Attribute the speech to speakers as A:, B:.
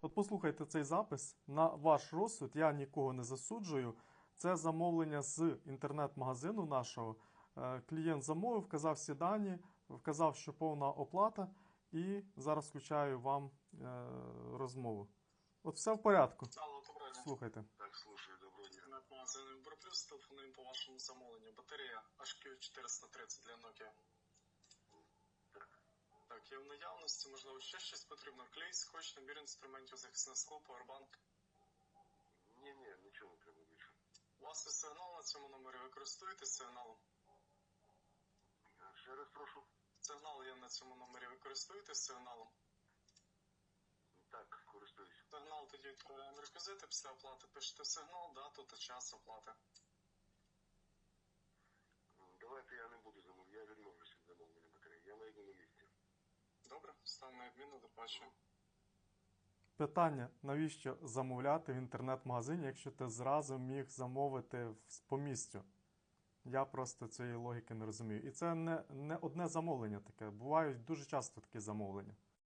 A: От послухайте цей запис. На ваш розсуд, я нікого не засуджую. Це замовлення з інтернет-магазину нашого. Клієнт замовив, вказав всі дані, вказав, що повна оплата, і зараз включаю вам розмову. От все в порядку.
B: Алло, доброго дня.
A: Слухайте.
C: Так, слушаю, доброго дня.
B: Інтернет-магазин Віброплюс, телефонуємо по вашому замовленню. Батарея HQ430 для Nokia. Так, є в наявності, можливо, ще щось потрібно. Клей, скотч, набір інструментів, захисне скло, павербанк.
C: Ні, нічого не треба більше.
B: У вас є сигнал на цьому номері, ви користуєтесь сигналом?
C: Ще раз прошу.
B: Сигнал є на цьому номері, ви користуєтесь сигналом?
C: Так, користуюсь.
B: Сигнал тоді відправляємо реквізити, після оплати пишете сигнал, дату та час оплати.
C: Давайте я не буду замовляти, я відмовлюся від замовлення батареї. Я найду на місці.
B: Добре, ставимо на відміну, до побачення.
A: Питання, навіщо замовляти в інтернет-магазині, якщо ти зразу міг замовити по місцю? Я просто цієї логіки не розумію. І це не одне замовлення таке. Бувають дуже часто такі замовлення.